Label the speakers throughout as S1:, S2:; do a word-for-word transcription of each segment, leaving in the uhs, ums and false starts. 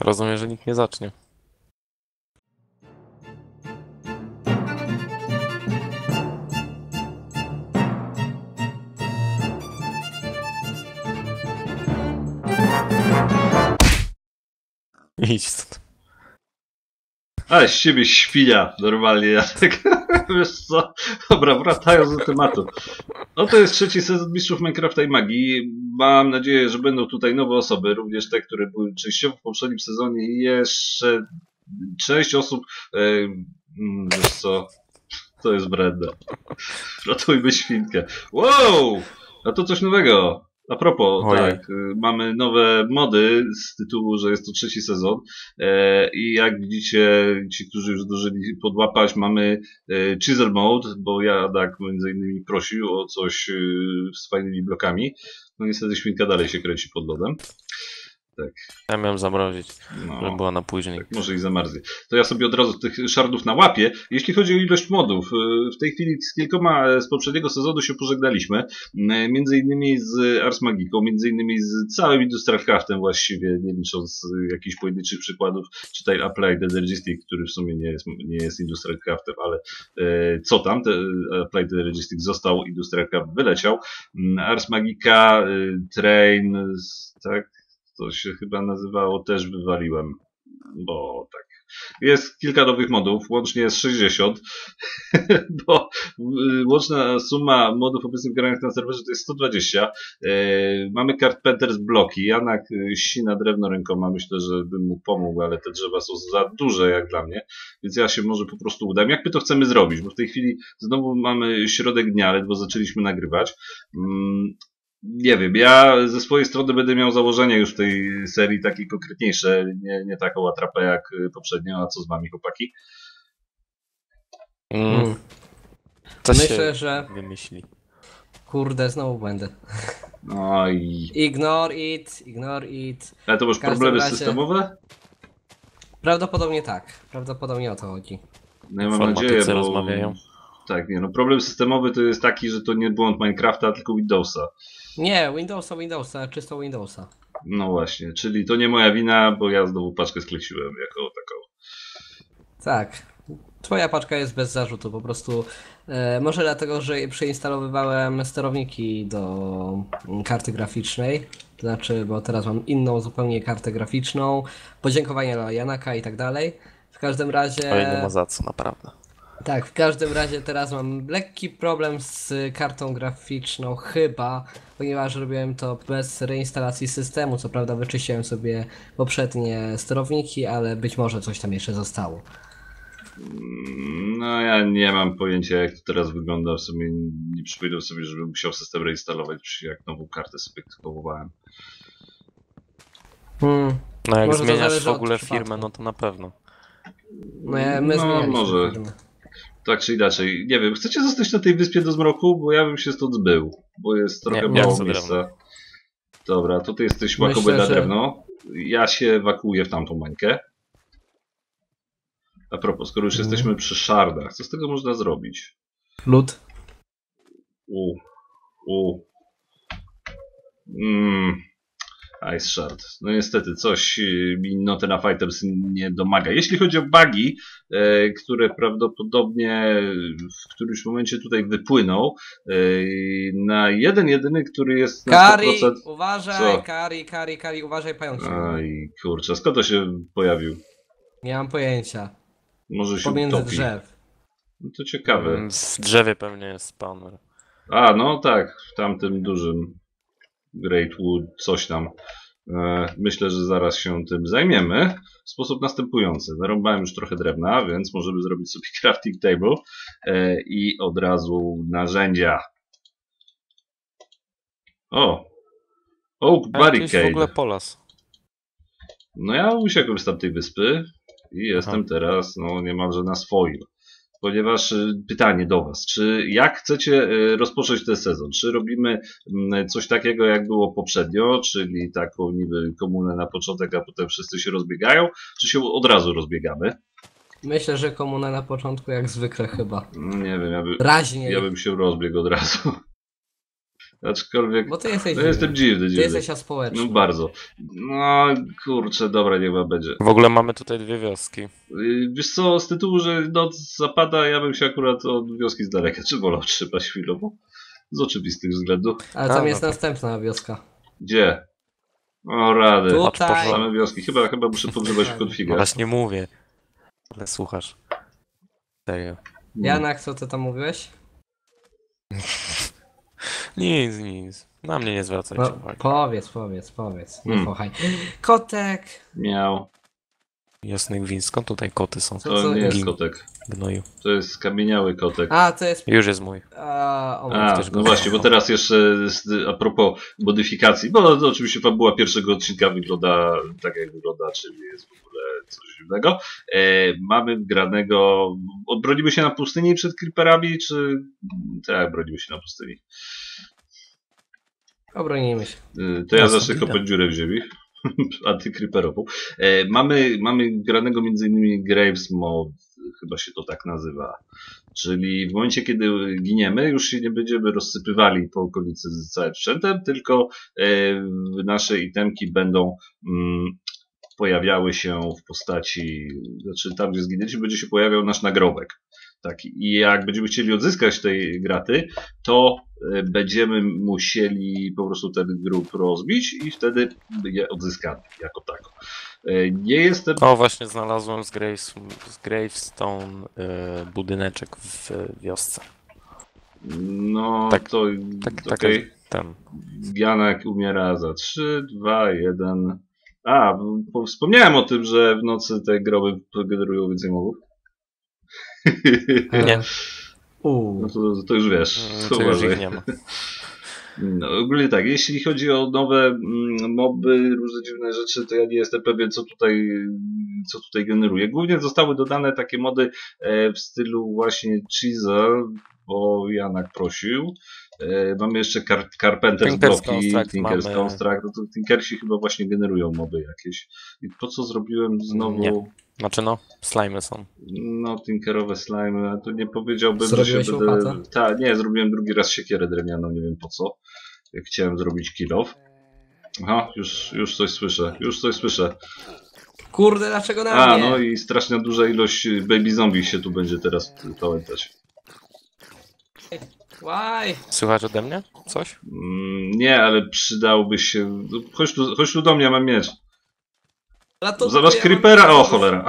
S1: Rozumiem, że nikt nie zacznie. Idź stąd.
S2: Ale z siebie świnia, normalnie, ja tak, wiesz co, dobra, wracając do tematu. No to jest trzeci sezon Mistrzów Minecrafta i Magii. Mam nadzieję, że będą tutaj nowe osoby, również te, które były częściowo w poprzednim sezonie i jeszcze sześć osób, e, wiesz co, to jest Brenda. Ratujmy świnkę. Wow! A to coś nowego. A propos,
S1: Ojej.
S2: tak, mamy nowe mody z tytułu, że jest to trzeci sezon e, i jak widzicie, ci, którzy już zdążyli podłapać, mamy e, Chisel Mode, bo Jadak między innymi prosił o coś e, z fajnymi blokami. No niestety świnka dalej się kręci pod lodem. Tak.
S1: Ja miałem zamrozić,
S2: No.
S1: żeby była na później.
S2: Tak, może i zamarznie. To ja sobie od razu tych szardów nałapię. Jeśli chodzi o ilość modów, w tej chwili z kilkoma z poprzedniego sezonu się pożegnaliśmy. Między innymi z Ars Magiką, między innymi z całym Industrial Craftem właściwie, nie licząc jakichś pojedynczych przykładów, czytaj Applied Energistic, który w sumie nie jest, nie jest Industrial Craftem, ale e, co tam, te, Applied Energistic został, Industrial Craft wyleciał. Ars Magica, e, Train, tak? To się chyba nazywało, też wywaliłem, bo tak. Jest kilka nowych modów, łącznie jest sześćdziesiąt, bo łączna suma modów obecnych granych na serwerze to jest sto dwadzieścia. Mamy Carpenter's bloki, Janak ścina drewno rękoma, myślę, że bym mu pomógł, ale te drzewa są za duże jak dla mnie, więc ja się może po prostu udam. Jak my to chcemy zrobić? Bo w tej chwili znowu mamy środek dnia, ledwo zaczęliśmy nagrywać. Nie wiem, ja ze swojej strony będę miał założenie już w tej serii takie konkretniejsze, nie, nie taką atrapę jak poprzednio, a co z wami, chłopaki?
S1: Mm. Co
S3: Myślę,
S1: się
S3: że...
S1: wymyśli?
S3: Kurde, znowu będę.
S2: No i...
S3: Ignore it, ignore it.
S2: Ale to masz
S3: W każdym
S2: problemy
S3: razie-
S2: systemowe?
S3: Prawdopodobnie tak. Prawdopodobnie o to chodzi.
S2: No ja mam
S1: Informatycy
S2: nadzieję, bo...
S1: rozmawiają.
S2: Tak, nie no, problem systemowy to jest taki, że to nie błąd Minecrafta, tylko Windowsa.
S3: Nie, Windowsa, Windowsa, czysto Windowsa.
S2: No właśnie, czyli to nie moja wina, bo ja znowu paczkę skleciłem jako taką.
S3: Tak. Twoja paczka jest bez zarzutu, po prostu e, może dlatego, że przeinstalowywałem sterowniki do mm, karty graficznej, to znaczy, bo teraz mam inną zupełnie kartę graficzną, podziękowania dla Janaka i tak dalej. W każdym razie...
S1: Oj, nie ma za co, naprawdę.
S3: Tak, w każdym razie teraz mam lekki problem z kartą graficzną chyba, ponieważ robiłem to bez reinstalacji systemu, co prawda wyczyściłem sobie poprzednie sterowniki, ale być może coś tam jeszcze zostało.
S2: No ja nie mam pojęcia, jak to teraz wygląda, w sumie nie przypominam sobie, żebym musiał system reinstalować, jak nową kartę sobie kupowałem.
S3: Hmm.
S1: No jak
S3: Może to
S1: zmieniasz
S3: zależy
S1: w
S3: od
S1: ogóle
S3: przypadku.
S1: firmę, no to na pewno.
S3: No, ja, my
S2: No,
S3: zmienialiśmy
S2: może.
S3: firmę.
S2: Tak czy inaczej, nie wiem, chcecie zostać na tej wyspie do zmroku? Bo ja bym się stąd zbył, bo jest trochę
S1: Nie, ja
S2: mało
S1: chcę
S2: miejsca.
S1: drewno.
S2: Dobra, to ty jesteś
S3: Myślę,
S2: łakoby na
S3: że-
S2: drewno. Ja się ewakuuję w tamtą mańkę. A propos, skoro już
S3: Mhm.
S2: jesteśmy przy szardach, co z tego można zrobić?
S3: Lód.
S2: U, u. Mm. Ice Shard. No niestety, coś y, mi Notena Fighters nie domaga. Jeśli chodzi o bugi, e, które prawdopodobnie w którymś momencie tutaj wypłyną, e, na jeden jedyny, który jest na
S3: Kari,
S2: sto procent...
S3: uważaj,
S2: Co?
S3: Kari, Kari, Kari, uważaj, pająk się.
S2: Aj, kurczę, skąd to się pojawił?
S3: Nie mam pojęcia.
S2: Może się
S3: Pomiędzy
S2: utopi.
S3: drzew.
S2: No to ciekawe.
S1: Mm, W drzewie pewnie jest spawner.
S2: A, no tak, w tamtym dużym Great Wood, coś tam. E, Myślę, że zaraz się tym zajmiemy w sposób następujący. Narąbałem już trochę drewna, więc możemy zrobić sobie crafting table e, i od razu narzędzia. O! Oak
S1: A jakiś w ogóle
S2: Barricade.
S1: polas.
S2: No ja uciekłem z tamtej wyspy i jestem
S1: Aha.
S2: teraz no niemalże na swoim. Ponieważ y, pytanie do Was, czy jak chcecie y, rozpocząć ten sezon? Czy robimy mm, coś takiego jak było poprzednio, czyli taką niby komunę na początek, a potem wszyscy się rozbiegają, czy się od razu rozbiegamy?
S3: Myślę, że komuna na początku jak zwykle chyba.
S2: Mm, Nie wiem, ja, by,
S3: Raźniej.
S2: ja bym się rozbiegł od razu. Aczkolwiek,
S3: Bo ty jesteś
S2: no jestem dziwny,
S3: Ty
S2: dziwny.
S3: jesteś aspołeczny.
S2: No bardzo. No kurczę, dobra, niech wam będzie.
S1: W ogóle mamy tutaj dwie wioski.
S2: Yy, Wiesz co, z tytułu, że noc zapada, ja bym się akurat od wioski z daleka czy wolał trzymać chwilowo. Z oczywistych względów.
S3: Ale
S1: A,
S3: tam
S1: no
S3: jest
S1: to-
S3: następna wioska.
S2: Gdzie? O rady.
S3: Tutaj.
S2: Same wioski. Chyba, chyba muszę pogrzebać w
S1: No
S2: konfigach.
S1: właśnie mówię. Ale słuchasz. Serio.
S3: Janak, co ty tam mówiłeś?
S1: Nic, nic. Na mnie nie zwracajcie
S3: No,
S1: uwagi.
S3: powiedz, powiedz, powiedz. Nie
S2: Hmm.
S3: kochaj. Kotek!
S2: Miał.
S1: Jasny gwint, skąd tutaj koty są?
S3: Co-
S2: To
S3: co-
S2: nie jest
S1: Gin.
S2: kotek.
S1: Gnoju.
S2: To jest skamieniały kotek.
S3: A, to jest...
S1: Już jest mój.
S3: A, o,
S2: A,
S1: też go
S2: no właśnie, bo
S1: kocham.
S2: teraz jeszcze z- a propos modyfikacji, bo to oczywiście fabuła pierwszego odcinka wygląda tak jak wygląda, czyli jest w ogóle coś dziwnego. E, mamy granego, odbronimy się na pustyni przed creeperami, czy tak, bronimy się na pustyni.
S3: Obronimy się.
S2: E, to ja
S3: Jasne,
S2: zacznę
S3: witam.
S2: kopać dziurę w ziemi. Antycreeperową. E, mamy, mamy granego między innymi Graves Mod, chyba się to tak nazywa. Czyli w momencie, kiedy giniemy, już się nie będziemy rozsypywali po okolicy z całym sprzętem, tylko e, nasze itemki będą mm, pojawiały się w postaci, znaczy tam, gdzie zginęliśmy, będzie się pojawiał nasz nagrobek. Tak, i jak będziemy chcieli odzyskać tej graty, to e, będziemy musieli po prostu ten grób rozbić i wtedy je odzyskamy jako tako. E, Nie jestem
S1: O, właśnie znalazłem z, Graves, z Gravestone y, budyneczek w wiosce.
S2: No,
S1: Tak,
S2: to
S1: Tak, tak,
S2: okej.
S1: ten.
S2: Janek umiera za trzy, dwa, jeden. A, bo wspomniałem o tym, że w nocy te groby generują więcej mobów.
S1: Nie,
S3: Uuu.
S2: No to, to już wiesz.
S1: mm,
S2: To
S1: to już
S2: uważaj.
S1: ich nie ma.
S2: No, ogólnie tak, jeśli chodzi o nowe mm, moby, różne dziwne rzeczy, to ja nie jestem pewien, co tutaj, co tutaj generuje. Głównie zostały dodane takie mody e, w stylu właśnie Chisel, bo Janak prosił. E, mamy jeszcze Car Carpenter's
S1: Tinker's
S2: Bloki,
S1: Construct
S2: Tinker's
S1: mamy.
S2: Construct. No to Tinkersi chyba właśnie generują moby jakieś. I po co zrobiłem znowu...
S1: Nie. Znaczy no, slimy są.
S2: No, tinkerowe slime, a to nie powiedziałbym,
S3: Zrobiłeś
S2: że się będę...
S3: łopatę?
S2: Tak, nie, zrobiłem drugi raz siekierę drewnianą, nie wiem po co. Jak chciałem zrobić kill off. Aha, już, już coś słyszę, już coś słyszę.
S3: Kurde, dlaczego na
S2: A,
S3: mnie?
S2: no i straszna duża ilość baby zombie się tu będzie teraz pamiętać.
S3: Łaj!
S1: Słychać ode mnie? Coś?
S2: Mm, nie, ale przydałby się... Chodź tu, chodź tu do mnie, mam miecz. Zobacz creepera, o cholera.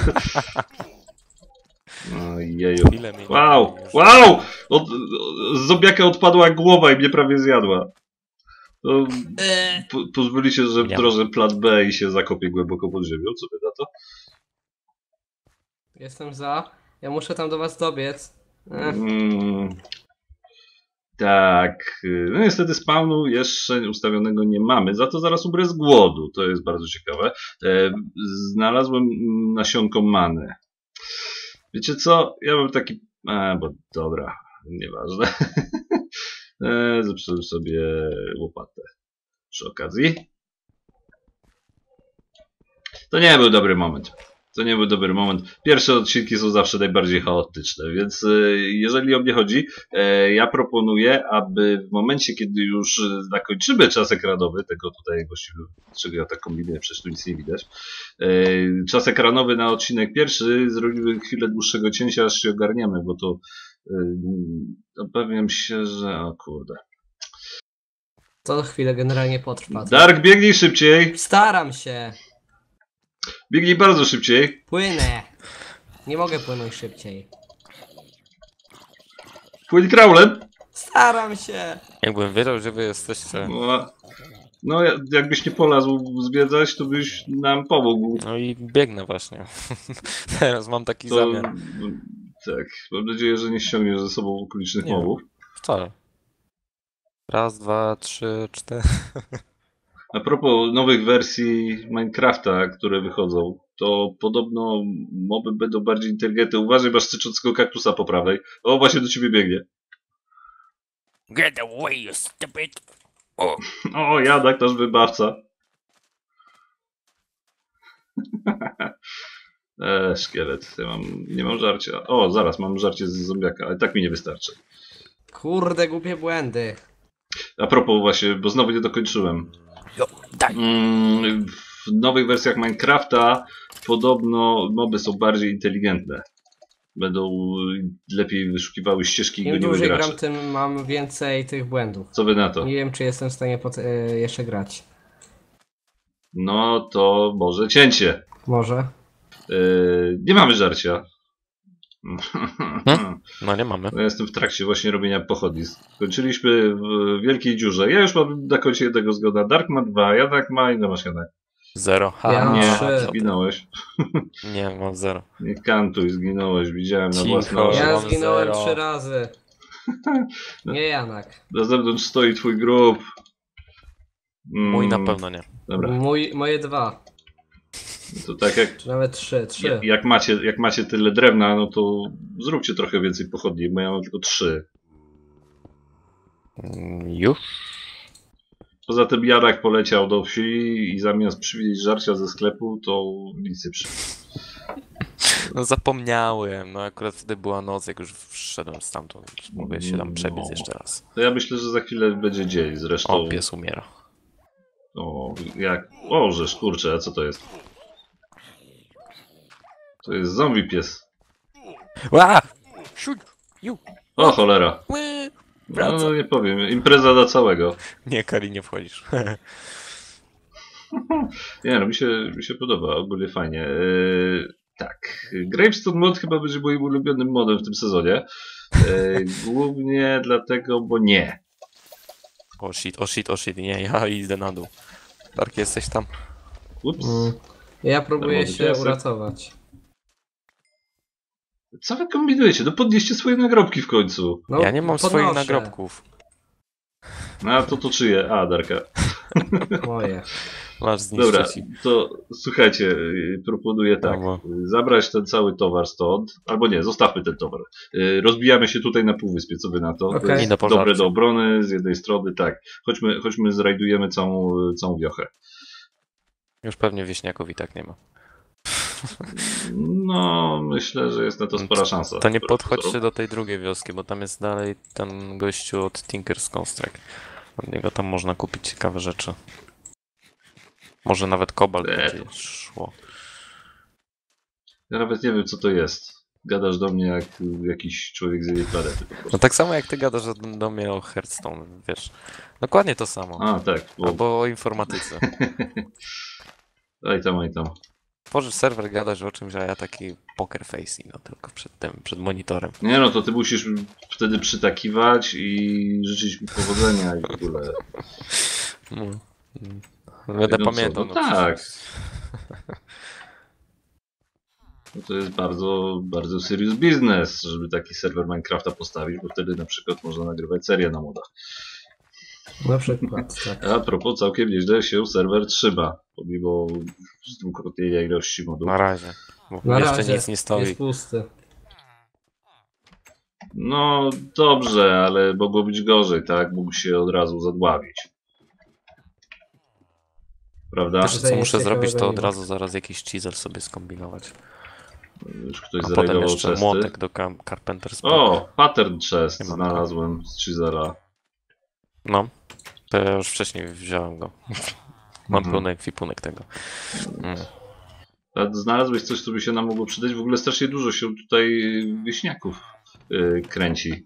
S2: No jeju.
S1: Ile mi
S2: Wow,
S1: już-
S2: wow! Od, z zombiaka odpadła głowa i mnie prawie zjadła. To
S3: Eee,
S2: po, pozwolicie, że
S1: Ja.
S2: wdrożę plan B i się zakopię głęboko pod ziemią, co wy na to?
S3: Jestem za. Ja muszę tam do was dobiec. Ech,
S2: Mm, tak, y, no niestety spawnu jeszcze ustawionego nie mamy, za to zaraz umrę z głodu, to jest bardzo ciekawe. E, znalazłem mm, nasionko many. Wiecie co, ja mam taki... A, bo dobra, nieważne. e, zepsułem sobie łopatę przy okazji. To nie był dobry moment. To nie był dobry moment. Pierwsze odcinki są zawsze najbardziej chaotyczne, więc e, jeżeli o mnie chodzi, e, ja proponuję, aby w momencie, kiedy już e, zakończymy czas ekranowy, tego tutaj właściwie, czego ja tak kombinuję, przecież tu nic nie widać, e, czas ekranowy na odcinek pierwszy, zrobimy chwilę dłuższego cięcia, aż się ogarniemy, bo to e, obawiam się, że... o kurde.
S3: to chwilę generalnie potrwa. To-
S2: Dark, biegnij szybciej!
S3: Staram się!
S2: Biegnij bardzo szybciej!
S3: Płynę! Nie mogę płynąć szybciej.
S2: Płyń kraulem!
S3: Staram się!
S1: Jakbym wiedział, że wy jesteście.
S2: No, no ja- jakbyś nie polazł zwiedzać, to byś nam pomógł.
S1: No i biegnę właśnie. Teraz mam taki
S2: To,
S1: zamiar.
S2: tak, mam nadzieję, że nie ściągniesz ze sobą okolicznych
S1: Nie.
S2: mobów.
S1: Wcale. Raz, dwa, trzy, cztery.
S2: A propos nowych wersji Minecrafta, które wychodzą, to podobno moby będą bardziej inteligentne. Uważaj, masz syczącego kaktusa po prawej. O, właśnie do ciebie biegnie.
S1: Get away, you stupid!
S2: O, Janak, nasz wybawca. Eee, szkielet. Ja mam, nie mam żarcia. O, zaraz, mam żarcie z zombiaka, ale tak mi nie wystarczy.
S3: Kurde, głupie błędy.
S2: A propos właśnie, bo znowu nie dokończyłem.
S1: Jo, daj.
S2: Mm, w nowych wersjach Minecrafta podobno moby są bardziej inteligentne. Będą lepiej wyszukiwały ścieżki i
S3: Im
S2: goniły
S3: dłużej
S2: graczy.
S3: gram, tym mam więcej tych błędów.
S2: Co wy na to?
S3: Nie wiem, czy jestem w stanie pot- e, jeszcze grać.
S2: No to może cięcie.
S3: Może.
S2: Yy, nie mamy żarcia.
S1: No nie mamy.
S2: No, ja jestem w trakcie właśnie robienia pochodni. Skończyliśmy w wielkiej dziurze. Ja już mam na koncie jednego zgoda. Dark ma dwa, Janak ma i no masz Janak.
S1: Zero. Ha,
S3: Ja mam
S2: Nie,
S3: trzy.
S2: zginąłeś.
S1: Nie, mam zero.
S2: Nie kantuj, zginąłeś. Widziałem na
S1: Cicho.
S2: własne
S1: Ja
S2: oczy.
S3: Ja
S1: mam
S3: zginąłem
S1: zero.
S3: trzy razy. Nie Janak.
S2: Na zewnątrz stoi twój grób. Mm,
S1: Mój na pewno nie.
S2: Dobra,
S3: Mój, moje dwa.
S2: to tak jak,
S3: Czy nawet trzy. Trzy.
S2: jak, jak, macie, jak macie tyle drewna, no to zróbcie trochę więcej pochodni, bo ja mam tylko trzy.
S1: Mm, Już?
S2: Poza tym Janak poleciał do wsi i zamiast przywieźć żarcia ze sklepu, to nic nie przywiózł.
S1: No zapomniałem. No akurat wtedy była noc, jak już wszedłem stamtąd. Mogę się tam przebiec
S2: No.
S1: jeszcze raz.
S2: To ja myślę, że za chwilę będzie dzień. Zresztą.
S1: O, pies umiera.
S2: O, jak. O, żeż kurczę, a co to jest? To jest zombie pies.
S1: Ła! Siuć! Ju!
S2: O, cholera.
S1: Ły! Wraca.
S2: No nie powiem, impreza dla całego.
S1: Nie, Kari, nie wchodzisz.
S2: Nie no, mi się, mi się podoba, ogólnie fajnie. Yy, tak, Gravestone mod chyba będzie moim ulubionym modem w tym sezonie. Yy, głównie dlatego, bo nie.
S1: O shit, o shit, o shit. Nie, ja idę na dół. Dark, jesteś tam?
S2: Ups.
S3: Mm. Ja próbuję
S2: Darmowy
S3: się
S2: piesek.
S3: uratować.
S2: Co wy kombinujecie? No podnieście swoje nagrobki w końcu.
S3: No,
S1: Ja nie mam
S3: podnoszę.
S1: swoich nagrobków.
S2: No a to to czyje? A, Darka.
S3: Moje.
S1: Masz
S2: Dobra,
S1: zniszczyć.
S2: to słuchajcie, yy, proponuję tak.
S1: Brawo.
S2: yy, Zabrać ten cały towar stąd, albo nie, zostawmy ten towar. Yy, Rozbijamy się tutaj na półwyspie, co wy na to? To
S3: Okej.
S2: jest
S1: I do
S2: dobre
S1: pożarcia.
S2: do obrony z jednej strony, tak. Chodźmy, chodźmy zrajdujemy całą, całą wiochę.
S1: Już pewnie wieśniaków i tak nie ma.
S2: No, myślę, że jest na to spora szansa.
S1: To nie
S2: wbrew
S1: podchodźcie
S2: pozorom.
S1: do tej drugiej wioski, bo tam jest dalej ten gościu od Tinker's Construct. Od niego tam można kupić ciekawe rzeczy. Może nawet kobalt
S2: Eee.
S1: będzie szło.
S2: Ja nawet nie wiem, co to jest. Gadasz do mnie jak jakiś człowiek z innej planety po prostu.
S1: No tak samo jak ty gadasz o- do mnie o Hearthstone, wiesz. Dokładnie to samo.
S2: A, tak. Bo...
S1: Albo o informatyce.
S2: Aj tam, aj tam.
S1: Tworzysz serwer, gadasz o czymś, a ja taki poker face, no tylko przed tym, przed monitorem.
S2: Nie no, to ty musisz wtedy przytakiwać i życzyć mi powodzenia i w ogóle.
S1: No. Mm. Będę
S2: No co,
S1: pamiętał.
S2: no
S1: no
S2: tak.
S1: przecież.
S2: No to jest bardzo, bardzo serious business, żeby taki serwer Minecrafta postawić, bo wtedy na przykład można nagrywać serię na modach.
S3: Na przykład, tak.
S2: A propos, całkiem nieźle się serwer trzyma, pomimo zdwukrotnienia ilości modów.
S1: Na razie. Bo
S3: Na
S1: jeszcze
S3: razie
S1: nic nie stoi.
S3: jest pusty.
S2: No dobrze, ale mogło być gorzej, tak? Mógł się od razu zadławić. Prawda?
S1: Wiesz co
S3: Tutaj
S1: muszę
S3: nic
S1: zrobić, to
S3: ciekawego
S1: od
S3: nie ma.
S1: razu zaraz jakiś chisel sobie skombinować.
S2: Już ktoś
S1: A potem
S2: zrajdował
S1: jeszcze
S2: chesty.
S1: młotek do Car- Carpenter's Block.
S2: O, pattern chest
S1: Nie mam
S2: znalazłem z Chisela.
S1: No, to ja już wcześniej wziąłem go. Mam
S2: Mhm.
S1: pełny ekwipunek tego. Mm.
S2: A znalazłeś coś, co by się nam mogło przydać? W ogóle strasznie dużo się tutaj wieśniaków yy, kręci.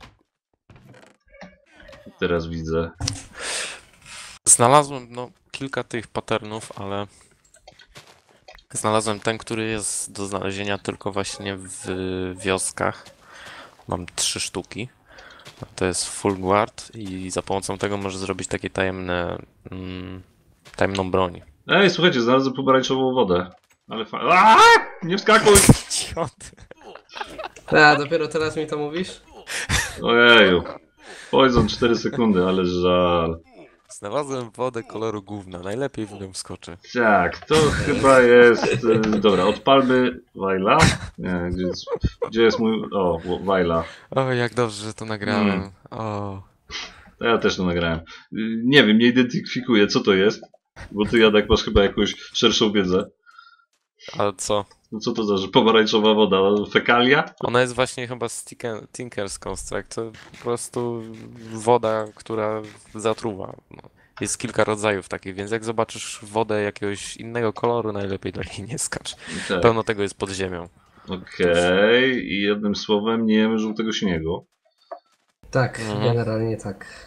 S2: Teraz widzę.
S1: Znalazłem no, kilka tych patternów, ale znalazłem ten, który jest do znalezienia tylko właśnie w wioskach. Mam trzy sztuki. To jest full guard i za pomocą tego możesz zrobić takie tajemne, mm, tajemną broń.
S2: Ej, słuchajcie, znalazłem pomarańczową wodę. Ale fa... Aaaa! Nie wskakuj!
S1: Idioty.
S3: A, dopiero teraz mi to mówisz?
S2: Ojeju. Poison cztery sekundy, ale żal.
S1: Znalazłem wodę koloru gówna, najlepiej w nią wskoczy.
S2: Tak, to chyba jest... y, Dobra, odpalmy Wajla. Nie, gdzie jest, gdzie jest mój... O, Wajla.
S1: O, jak dobrze, że to nagrałem.
S2: Mm.
S1: O.
S2: To ja też to nagrałem. Y, Nie wiem, nie identyfikuję, co to jest. Bo ty, Jadak, masz chyba jakąś szerszą wiedzę.
S1: Ale co?
S2: No co to za że pomarańczowa woda? Fekalia?
S1: Ona jest właśnie chyba z Tinker- Tinker's Construct. To po prostu woda, która zatruwa. No. Jest kilka rodzajów takich, więc jak zobaczysz wodę jakiegoś innego koloru, najlepiej do niej nie skacz.
S2: Tak.
S1: Pełno tego jest pod ziemią.
S2: Okej. I jednym słowem nie jemy żółtego śniegu.
S3: Tak,
S1: Mhm.
S3: generalnie tak.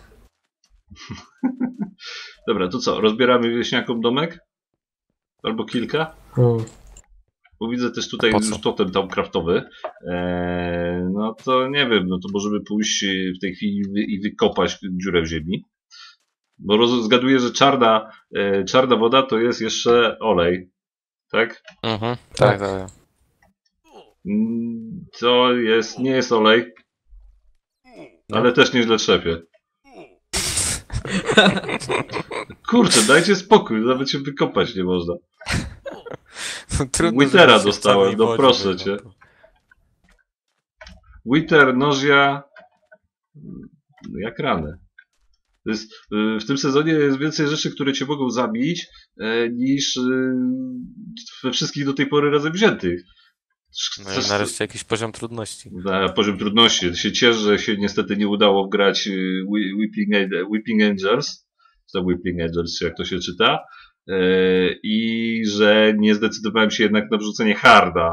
S2: Dobra, to co? Rozbieramy wieśniakom domek? Albo kilka?
S3: Hmm.
S2: Bo widzę też tutaj
S1: Po co?
S2: już totem tam kraftowy. Eee, no to nie wiem, no to możemy pójść w tej chwili wy, i wykopać dziurę w ziemi. Bo roz, zgaduję, że czarna, e, czarna woda to jest jeszcze olej. Tak?
S1: Mhm,
S3: Tak.
S1: tak, tak.
S2: Mm, To jest, nie jest olej. Ale też nieźle trzepie. Kurczę, dajcie spokój, nawet się wykopać nie można.
S1: Trudno,
S2: Withera
S1: żeby się w
S2: dostałem,
S1: czarnej
S2: no
S1: wodzie
S2: proszę
S1: wykąpał.
S2: cię. Wither, nożia. Jak rany. To jest, y, w tym sezonie jest więcej rzeczy, które cię mogą zabić, e, niż y, we wszystkich do tej pory razem wziętych.
S1: No i nareszcie jakiś poziom trudności.
S2: Na poziom trudności. Się cieszę, że się niestety nie udało wgrać y, Whi- Whipping, An- Whipping Angels, czy to Whipping Angels, czy jak to się czyta, e, i że nie zdecydowałem się jednak na wrzucenie harda.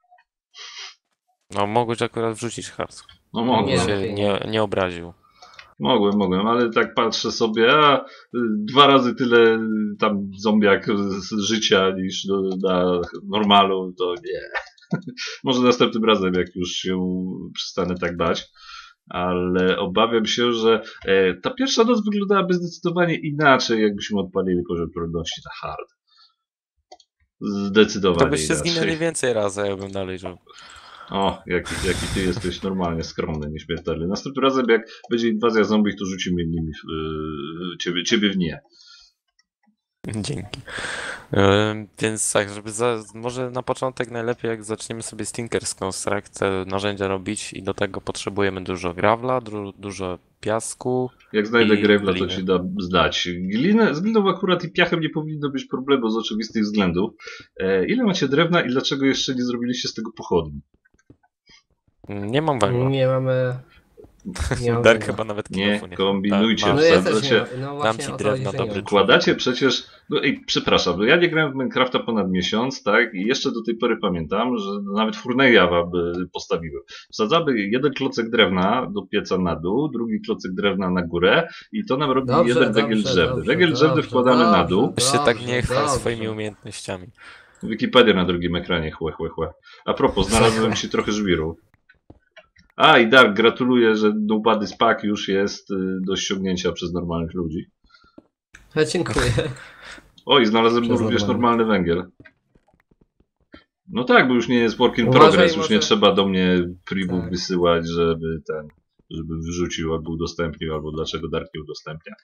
S1: No mogłeś akurat wrzucić hard.
S2: No mogłem.
S3: Nie.
S1: się nie, nie obraził.
S2: Mogłem, mogłem, ale tak patrzę sobie, a y, dwa razy tyle y, tam zombiak z z życia niż do, na normalu, to nie. Może następnym razem, jak już się przestanę tak bać. Ale obawiam się, że e, ta pierwsza noc wyglądałaby zdecydowanie inaczej, jakbyśmy odpalili poziom trudności na hard. Zdecydowanie
S1: To byście
S2: inaczej.
S1: zginęli więcej razy, ja bym dalej żył.
S2: O, jaki, jaki ty jesteś normalnie skromny, nieśmiertelny. Następnym razem, jak będzie inwazja zombie, to rzucimy nimi w, yy, ciebie, ciebie w nie.
S1: Dzięki. Ym, Więc tak, żeby za, może na początek najlepiej jak zaczniemy sobie z Tinker's Construct te narzędzia robić i do tego potrzebujemy dużo gravla, du, dużo piasku.
S2: Jak znajdę
S1: I
S2: Grave'la, to
S1: gliny.
S2: ci da znać. Glinę, z gliną akurat i piachem nie powinno być problemu z oczywistych względów. E, ile macie drewna i dlaczego jeszcze nie zrobiliście z tego pochodni?
S1: Nie mam węgla.
S3: Nie mamy... Nie mamy
S1: Dark
S3: węgla.
S1: chyba nawet
S2: Nie,
S1: kilofu nie
S2: kombinujcie.
S1: ma.
S3: No ja też
S2: Wsadzacie-
S3: nie mam. No
S1: Dam
S3: właśnie
S1: ci
S3: o to
S1: drewna,
S3: chodzi, że nie
S1: dobry
S3: mam.
S2: Wkładacie przecież, no i przepraszam, ja nie grałem w Minecrafta ponad miesiąc, tak, i jeszcze do tej pory pamiętam, że nawet Furneja wam y, postawiłem. Wsadzamy jeden klocek drewna do pieca na dół, drugi klocek drewna na górę i to nam robi
S3: Dobrze,
S2: jeden węgiel
S3: dobrze,
S2: drzewny.
S3: dobrze,
S2: Węgiel drzewny
S3: dobrze,
S2: wkładamy na
S3: dobrze.
S2: dół.
S1: Weź się tak nie
S3: Dobrze,
S1: chwal
S3: dobrze.
S1: swoimi umiejętnościami.
S2: Wikipedia na drugim ekranie, chłe, chłe, chłe. A propos, znalazłem ci trochę żwiru. A i Dark, gratuluję, że Nobody Pack już jest y, do ściągnięcia przez normalnych ludzi.
S3: Ja dziękuję.
S2: Oj, znalazłem
S3: Przez
S2: również
S3: normalny.
S2: normalny węgiel. No tak, bo już nie jest work in
S3: Uważaj,
S2: progress, już nie
S3: może-
S2: trzeba do mnie pribów
S3: Tak.
S2: wysyłać, żeby ten, żeby wrzucił albo udostępnił, albo dlaczego Dark nie udostępnia.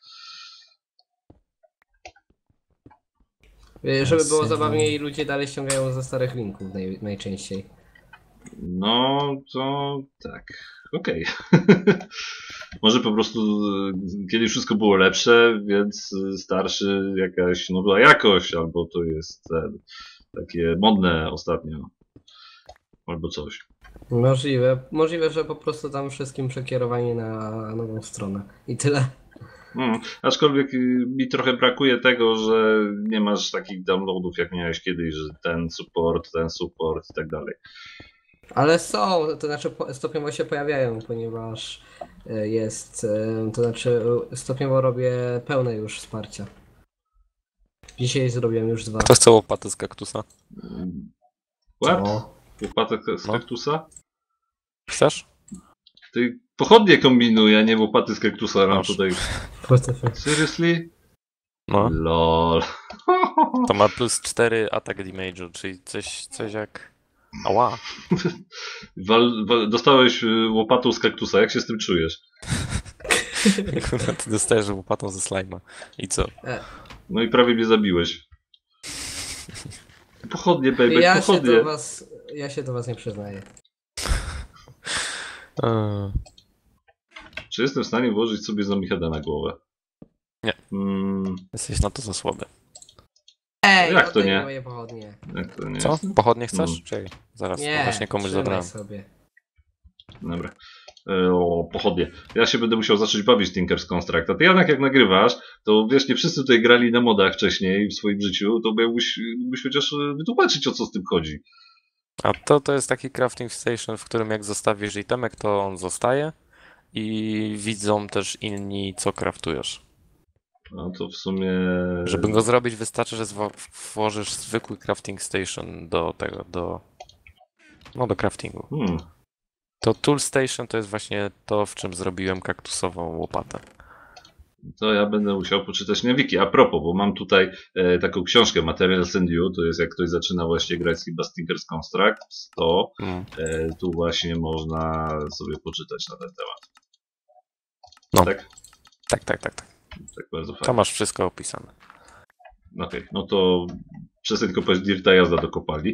S3: Y, Żeby było
S1: Jasne.
S3: zabawniej, ludzie dalej ściągają ze starych linków naj, najczęściej.
S2: No to tak, okej. Może po prostu y, kiedyś wszystko było lepsze, więc y, starszy jakaś nowa jakość, albo to jest ten, takie modne ostatnio, albo coś.
S3: Możliwe. Możliwe, że po prostu tam wszystkim przekierowanie na nową stronę. I tyle.
S2: Mm, aczkolwiek y, mi trochę brakuje tego, że nie masz takich downloadów jak miałeś kiedyś, że ten support, ten support i tak dalej.
S3: Ale są, to znaczy po- stopniowo się pojawiają, ponieważ y, jest, y, to znaczy y, stopniowo robię pełne już wsparcia. Dzisiaj zrobiłem już dwa.
S1: Kto chce łopaty z kaktusa?
S2: Mm, What?
S3: O.
S2: Łopatek z
S1: No.
S2: kaktusa?
S1: Chcesz?
S2: Ty pochodnie kombinuję, a nie łopaty z kaktusa mam
S1: Masz.
S2: tutaj.
S3: What the fuck?
S2: Seriously?
S1: No.
S2: Lol.
S1: To ma plus cztery attack damage'u, czyli coś, coś jak... Ała.
S2: Wal, wal, dostałeś y, łopatą z kaktusa, jak się z tym czujesz?
S1: Kurwa, ty dostajesz łopatą ze slajma. I co?
S2: No i prawie mnie zabiłeś. Pochodnie, baby,
S3: Ja się
S2: pochodnie.
S3: do was, ja się do was nie przyznaję.
S1: Eee,
S2: Czy jestem w stanie włożyć sobie zombie heada na głowę?
S1: Nie.
S2: Mm,
S1: Jesteś na to za słaby.
S3: Ej,
S2: Jak to
S3: oddaj mi
S2: nie?
S3: moje pochodnie.
S2: Jak to nie
S1: Co?
S2: jest?
S1: Pochodnie chcesz?
S2: Mm.
S1: Czekaj, zaraz, bo
S3: Nie,
S1: właśnie komuś
S3: trzymaj
S1: zabrałem.
S3: sobie.
S2: Dobra. E, O, pochodnie. Ja się będę musiał zacząć bawić w Tinker's Construct. A ty, Janek, jak nagrywasz, to wiesz, nie wszyscy tutaj grali na modach wcześniej w swoim życiu, to mógłbyś, mógłbyś chociaż e, wytłumaczyć, o co z tym chodzi.
S1: A to, to jest taki crafting station, w którym jak zostawisz itemek, to on zostaje i widzą też inni, co craftujesz.
S2: No to w sumie...
S1: Żeby go zrobić, wystarczy, że zwo- włożysz zwykły crafting station do tego, do... No, do craftingu.
S2: Hmm.
S1: To tool station to jest właśnie to, w czym zrobiłem kaktusową łopatę.
S2: To ja będę musiał poczytać na wiki. A propos, bo mam tutaj e, taką książkę Materials and You, to jest jak ktoś zaczyna właśnie grać chyba z Tinker's Construct, to
S1: Mm.
S2: e, tu właśnie można sobie poczytać na ten temat.
S1: No.
S2: Tak?
S1: Tak, tak, tak, tak.
S2: Tak bardzo fajnie.
S1: Tam masz wszystko opisane.
S2: Okej, no to przestań kopać dirta, jazda do kopalni.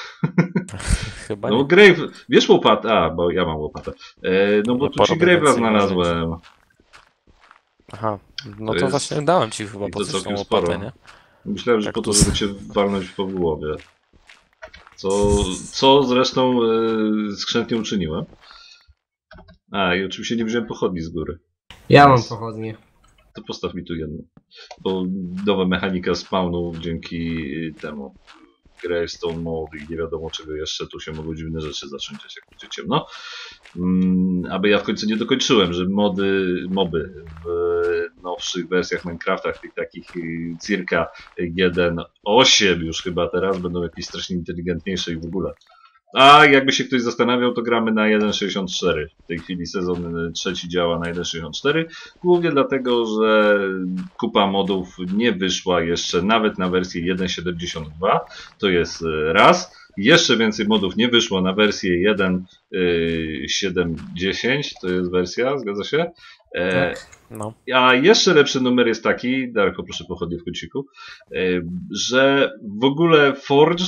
S1: Chyba
S2: No
S1: nie.
S2: Grave, wiesz łopatę? A, bo ja mam łopatę. E, no bo
S1: No,
S2: tu ci
S1: porobię
S2: Grave'a
S1: więcej
S2: znalazłem.
S1: Aha, no
S2: To
S1: to,
S2: jest-
S1: właśnie dałem ci chyba
S2: i to
S1: po coś tą
S2: całkiem
S1: łopatę,
S2: sporo.
S1: nie?
S2: Myślałem, że po to,
S1: Kaktus.
S2: żeby cię walnąć po głowie. Co, co zresztą e, skrzętnie uczyniłem. A, i oczywiście nie wziąłem pochodni z góry.
S3: Ja mam
S2: Nice.
S3: pochodnie.
S2: To postaw mi tu jedną. Bo nowa mechanika spawnu dzięki temu Gravestone Mode i nie wiadomo czego jeszcze, tu się mogą dziwne rzeczy zacząć dziać, jak będzie ciemno. Mm, aby ja w końcu nie dokończyłem, że mody, moby w nowszych wersjach Minecrafta, tych takich y, circa jeden kropka osiem już chyba teraz, będą jakieś strasznie inteligentniejsze i w ogóle. A jakby się ktoś zastanawiał, to gramy na jeden przecinek sześćdziesiąt cztery. W tej chwili sezon trzeci działa na jeden przecinek sześćdziesiąt cztery. Głównie dlatego, że kupa modów nie wyszła jeszcze nawet na wersję jeden przecinek siedemdziesiąt dwa. To jest e, raz. Jeszcze więcej modów nie wyszło na wersję jeden przecinek siedem dziesięć. To jest wersja, zgadza się? E,
S3: Tak.
S1: No.
S2: A jeszcze lepszy numer jest taki, Darko, proszę pochodnie w kąciku, e, że w ogóle Forge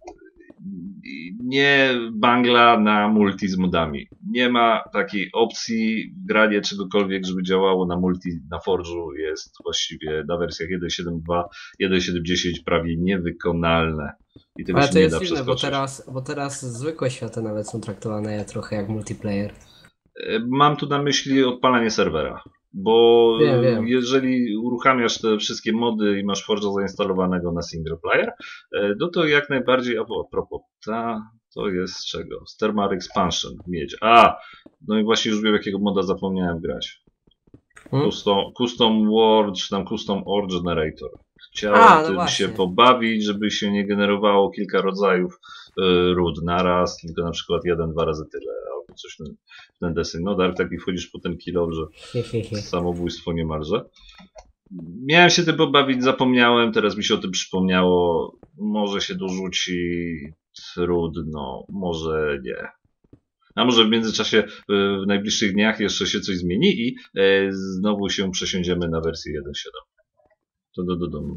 S2: nie bangla na multi z modami. Nie ma takiej opcji granie czegokolwiek, żeby działało na multi na Forge'u. Jest właściwie na wersjach jeden przecinek siedem dwa, jeden przecinek siedem dziesięć prawie niewykonalne. I tego
S3: Ale
S2: się
S3: to
S2: nie
S3: jest
S2: da
S3: dziwne, bo
S2: przeskoczyć.
S3: teraz, bo teraz zwykłe światy nawet są traktowane trochę jak multiplayer.
S2: Mam tu na myśli odpalanie serwera. Bo
S3: Wiem, wiem.
S2: jeżeli uruchamiasz te wszystkie mody i masz Forge'a zainstalowanego na single player, no to jak najbardziej, a a propos, ta, to jest z czego? Z Thermal Expansion, miedź. A, no i właśnie już wiem, jakiego moda zapomniałem grać.
S3: Hmm?
S2: Custom, custom Word, czy tam Custom Ore Generator. Chciałem
S3: A, no
S2: tym
S3: właśnie.
S2: się pobawić, żeby się nie generowało kilka rodzajów y, ród naraz, tylko na przykład jeden, dwa razy tyle, albo coś w ten, w ten deseń. No Dark, taki wchodzisz po ten kilo, że
S3: Hehehe.
S2: samobójstwo niemalże. Miałem się tym pobawić, zapomniałem, teraz mi się o tym przypomniało. Może się dorzuci, trudno, może nie. A może w międzyczasie y, w najbliższych dniach jeszcze się coś zmieni i y, znowu się przesiądziemy na wersję jeden przecinek siedem. To do, do domu.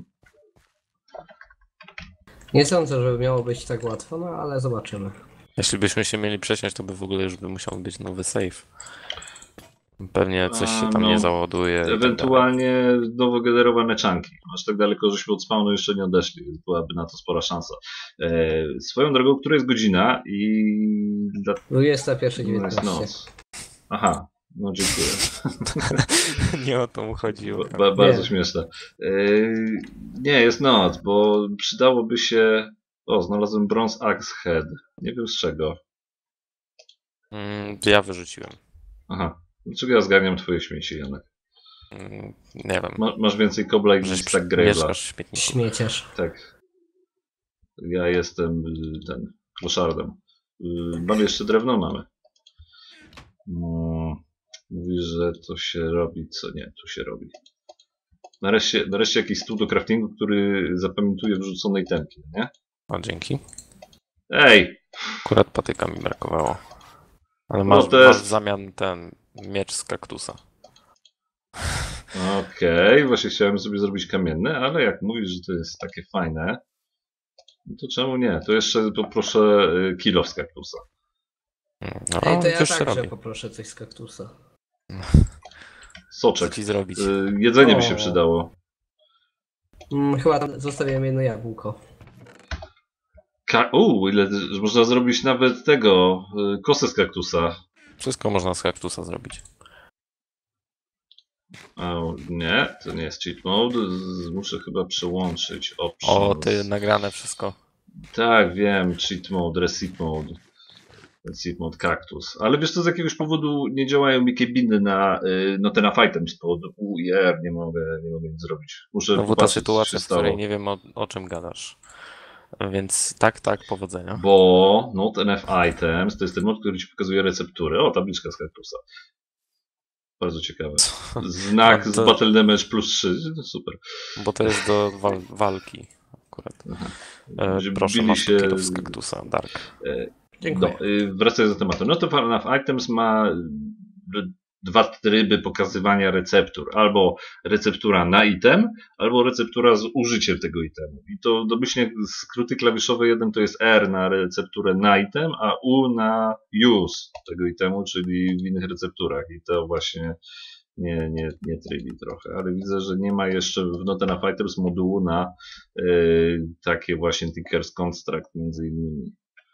S3: Nie sądzę, żeby miało być tak łatwo, no ale zobaczymy.
S1: Jeśli byśmy się mieli przesiąść, to by w ogóle już by musiał być nowy save. Pewnie coś się
S2: A,
S1: tam
S2: no,
S1: nie załaduje. i tak dalej.
S2: Ewentualnie nowo generowane czanki. Aż tak daleko, żeśmy od spawnu jeszcze nie odeszli, więc byłaby na to spora szansa. E, swoją drogą, która jest godzina i... Dla...
S3: dwudziesta pierwsza
S2: No jest
S3: dziewiętnaście.
S2: noc. Aha, no dziękuję.
S1: Nie o to mu chodziło.
S2: Ba, ba, bardzo
S3: Nie.
S2: śmieszne. E, nie, jest noc, bo przydałoby się... O, znalazłem Bronze Axe Head. Nie wiem z czego.
S1: Mm, ja wyrzuciłem.
S2: Aha. Dlaczego ja zgarniam twoje śmieci, Janek?
S1: Mm, nie wiem.
S2: Ma, masz więcej kobla i
S1: Żeś
S2: niż tak Grave'a.
S1: mieszkasz w śmietniku.
S3: Śmieciarz.
S2: Tak. Ja jestem y, ten, kloszardem. Y, Mamy jeszcze drewno? Mamy. No, mówi, że to się robi, co nie, tu się robi. Nareszcie, nareszcie jakiś stół do craftingu, który zapamiętuje wrzucone itemki, nie?
S1: O, dzięki.
S2: Ej!
S1: Akurat patyka mi brakowało. Ale
S2: No
S1: masz,
S2: to jest-
S1: masz w zamian ten miecz z kaktusa.
S2: Okej, właśnie chciałem sobie zrobić kamienne, ale jak mówisz, że to jest takie fajne, no to czemu nie? To jeszcze poproszę y, kilo z kaktusa.
S1: Mm, No,
S3: Ej, to ja
S1: już się
S3: także
S1: robi.
S3: poproszę coś z kaktusa.
S1: Co
S2: Soczek.
S1: ci zrobić?
S2: Y, jedzenie by się
S3: O.
S2: przydało.
S3: Mm, chyba tam zostawiłem jedno jabłko.
S2: Ka- U, ile że można zrobić nawet tego, y, kosę z kaktusa.
S1: Wszystko można z kaktusa zrobić.
S2: O, nie, to nie jest cheat mode. Z- Muszę chyba przełączyć options.
S1: O, ty nagrane wszystko.
S2: Tak, wiem, cheat mode, reset mode. Reset mode kaktus. Ale wiesz co, z jakiegoś powodu nie działają mi kebiny na y, no ten item z powodu U i R, nie mogę, nie mogę nic zrobić. Muszę
S1: Znowu ta
S2: popatrzeć, co
S1: sytuacja,
S2: się
S1: w której
S2: stało.
S1: nie wiem o, o czym gadasz. Więc tak, tak, powodzenia.
S2: Bo not enough items to jest ten mod, który ci pokazuje receptury. O, tabliczka z kaktusa. Bardzo ciekawe. Znak
S1: No
S2: z
S1: to-
S2: Battle Damage plus trzy. No super.
S1: Bo to jest do wal walki akurat. E,
S2: Będzie
S1: proszę,
S2: bili
S1: masz
S2: się-
S1: się... z kaktusa, Dark.
S3: Dziękuję.
S2: No, y, wracając do tematu. Not enough items ma y, dwa tryby pokazywania receptur. Albo receptura na item, albo receptura z użyciem tego itemu. I to domyślnie skróty klawiszowe, jeden to jest R na recepturę na item, a U na use tego itemu, czyli w innych recepturach. I to właśnie nie, nie, nie trybi trochę. Ale widzę, że nie ma jeszcze w Not Enough Items modułu na y, takie właśnie Tinker's Construct między innymi.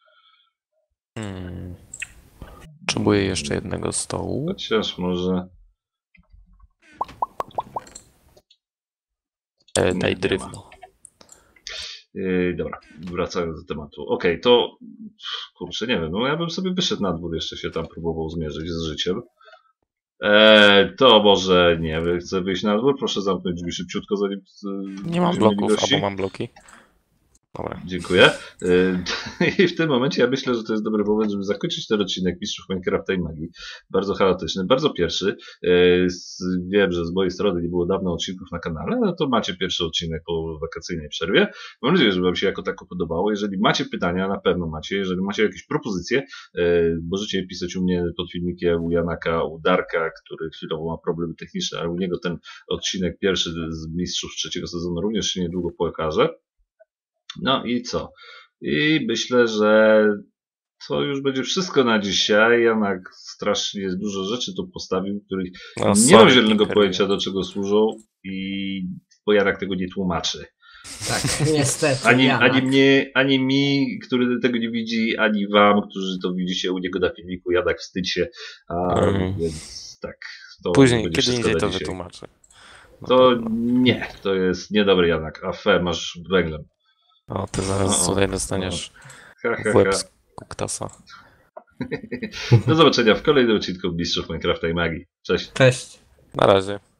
S1: Hmm. Potrzebuję jeszcze jednego stołu.
S2: Chociaż może...
S1: E,
S2: Nie,
S1: daj
S2: nie
S1: drewno.
S2: Yy, dobra, wracając do tematu. Okej, to kurczę, nie wiem, no ja bym sobie wyszedł na dwór, jeszcze się tam próbował zmierzyć z życiem. Eee, to może nie wiem, chcę wyjść na dwór, proszę zamknąć drzwi szybciutko, zanim yy,
S1: Nie mam
S2: będziemy mieli
S1: bloków,
S2: gości.
S1: albo mam bloki. Dobra.
S2: Dziękuję. Yy, I w tym momencie ja myślę, że to jest dobry moment, żeby zakończyć ten odcinek Mistrzów Minecrafta i Magii. Bardzo chaotyczny, bardzo pierwszy. Yy, z- Wiem, że z mojej strony nie było dawno odcinków na kanale, no to macie pierwszy odcinek po wakacyjnej przerwie. Mam nadzieję, że Wam się jako tako podobało. Jeżeli macie pytania, na pewno macie. Jeżeli macie jakieś propozycje, yy, możecie je pisać u mnie pod filmikiem, u Janaka, u Darka, który chwilowo ma problemy techniczne, ale u niego ten odcinek pierwszy z Mistrzów trzeciego sezonu również się niedługo pokaże. No i co? I myślę, że to już będzie wszystko na dzisiaj. Janak strasznie dużo rzeczy tu postawił, których
S1: No,
S2: nie
S1: sorry,
S2: mam zielonego
S1: Tinker.
S2: pojęcia, do czego służą, i bo Janak tego nie tłumaczy.
S3: Tak, niestety.
S2: Ani,
S3: Janak.
S2: ani mnie, ani mi, który tego nie widzi, ani wam, którzy to widzicie u niego na filmiku. Janak, wstydź się. A,
S1: Mm.
S2: Więc tak. To
S1: Później,
S2: będzie
S1: kiedy
S2: wszystko
S1: indziej
S2: na
S1: to
S2: dzisiaj.
S1: wytłumaczę. Na
S2: To
S1: pewno.
S2: nie, to jest niedobry Janak. A fe, masz węglem.
S1: O, ty zaraz
S2: O, o,
S1: tutaj dostaniesz
S2: Ha, ha,
S1: w łeb
S2: ha.
S1: z kuktasa.
S2: Do zobaczenia w kolejnym odcinku Mistrzów Minecrafta i Magii. Cześć.
S3: Cześć.
S1: Na razie.